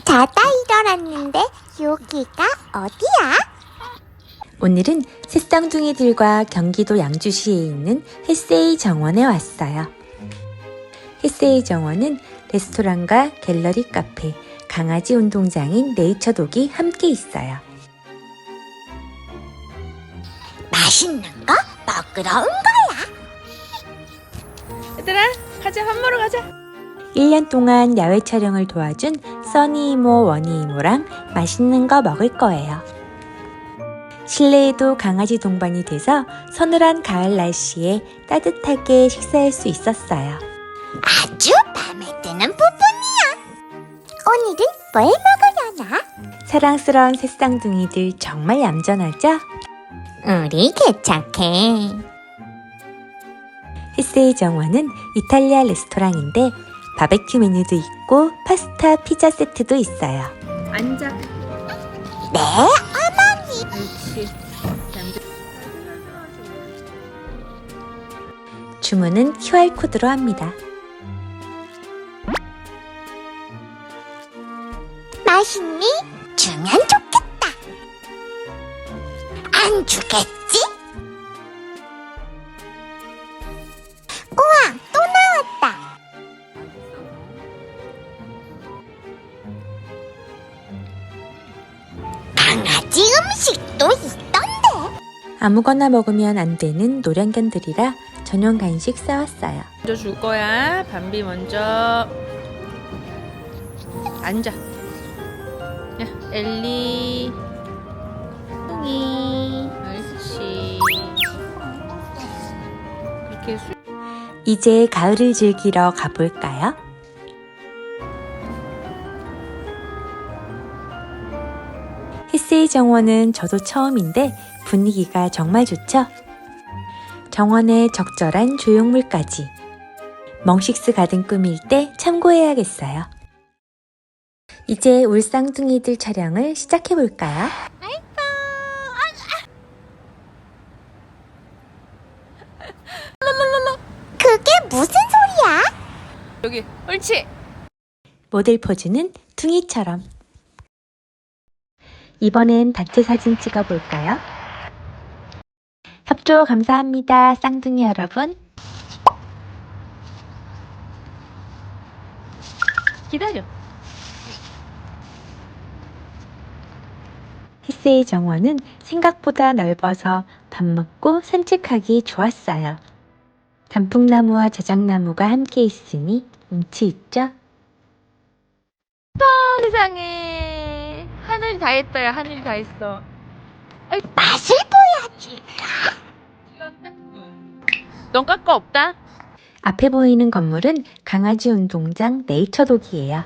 자다 일어났는데 여기가 어디야? 오늘은 새쌍둥이들과 경기도 양주시에 있는 햇세이 정원에 왔어요. 햇세이 정원은 레스토랑과 갤러리 카페, 강아지 운동장인 네이처독이 함께 있어요. 맛있는 거 먹으러 온 거야. 얘들아, 가자. 밥 먹으러 가자. 1년 동안 야외 촬영을 도와준 써니 이모, 원희 이모랑 맛있는 거 먹을 거예요. 실내에도 강아지 동반이 돼서 서늘한 가을 날씨에 따뜻하게 식사할 수 있었어요. 아주 맘에 드는 부분이야. 오늘은 뭘 먹으려나? 사랑스러운 새쌍둥이들 정말 얌전하죠? 우리 개착해. 햇세이 정원은 이탈리아 레스토랑인데 바베큐 메뉴도 있고 파스타, 피자 세트도 있어요. 앉아. 네, 어머니. 그렇지. 주문은 QR코드로 합니다. 맛있니? 주면 좋겠다. 안 주겠지? 우와, 또 나왔다. 강아지 음식도 있던데. 아무거나 먹으면 안 되는 노량견들이라 전용 간식 싸왔어요. 먼저 줄 거야. 밤비 먼저. 앉아. 야, 엘리. 똥이. 옳지. 이렇게 이제 가을을 즐기러 가볼까요? 햇세이 정원은 저도 처음인데 분위기가 정말 좋죠? 정원에 적절한 조형물까지. 멍식스 가든 꾸밀 때 참고해야겠어요. 이제 울쌍둥이들 촬영을 시작해볼까요? 그게 무슨 소리야? 여기. 옳지. 모델 포즈는 둥이처럼. 이번엔 단체 사진 찍어볼까요? 협조 감사합니다, 쌍둥이 여러분. 기다려. 햇세이 정원은 생각보다 넓어서 밥 먹고 산책하기 좋았어요. 단풍나무와 자작나무가 함께 있으니 운치 있죠? 세상에. 하늘 다 했다야. 하늘 다 했어. 맛을 보여줄까? 넌 깎아 없다. 앞에 보이는 건물은 강아지 운동장 네이처독이에요.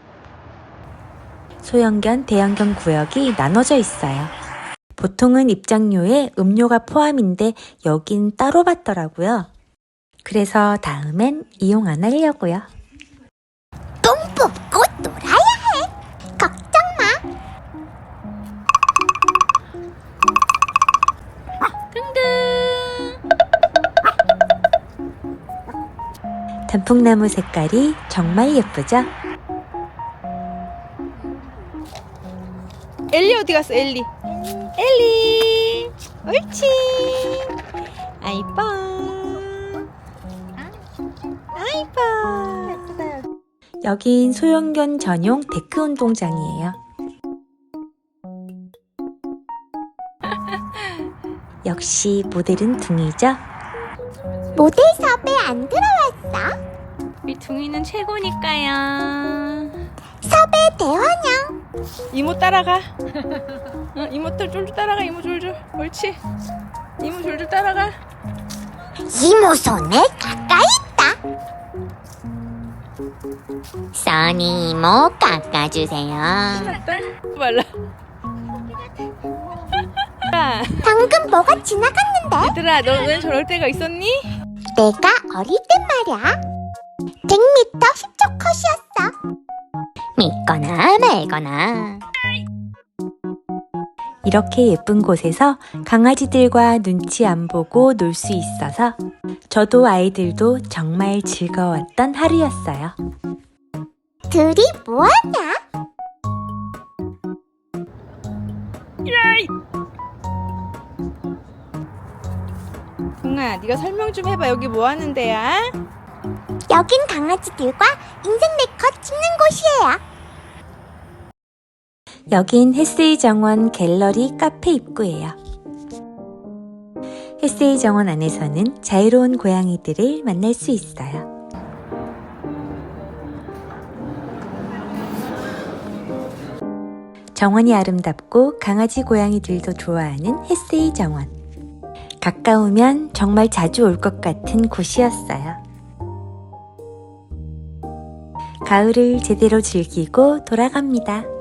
소형견, 대형견 구역이 나눠져 있어요. 보통은 입장료에 음료가 포함인데 여긴 따로 받더라고요. 그래서 다음엔 이용 안 하려고요. 똥 뽑고 놀아야 해. 걱정 마. 단풍나무 색깔이 정말 예쁘죠? 엘리 어디 갔어? 엘리. 엘리. 옳지. 아이뻐. 아이뻐. 여긴 소형견 전용 데크 운동장이에요. 역시 모델은 둥이죠? 모델 섭외 안 들어왔어? 우리 둥이는 최고니까요. 섭외 대환영. 이모 따라가. 이모 쫄쫄 따라가. 이모 졸졸. 옳지. 이모 졸졸 따라가. 이모 손에 가까이 있다. 써니 이모 깎아주세요. 말라. 야, 방금 뭐가 지나갔는데? 얘들아, 너 왜 저럴 때가 있었니? 내가 어릴 땐 말이야. 100m 10초 컷이었어. 믿거나 말거나. 이렇게 예쁜 곳에서 강아지들과 눈치 안 보고 놀 수 있어서 저도 아이들도 정말 즐거웠던 하루였어요. 둘이 뭐하냐? 야이! 동아, 네가 설명 좀 해봐. 여기 뭐 하는 데야? 여긴 강아지들과 인생 네컷 찍는 곳이에요. 여긴 햇세이 정원 갤러리 카페 입구예요. 햇세이 정원 안에서는 자유로운 고양이들을 만날 수 있어요. 정원이 아름답고 강아지 고양이들도 좋아하는 햇세이 정원. 가까우면 정말 자주 올 것 같은 곳이었어요. 가을을 제대로 즐기고 돌아갑니다.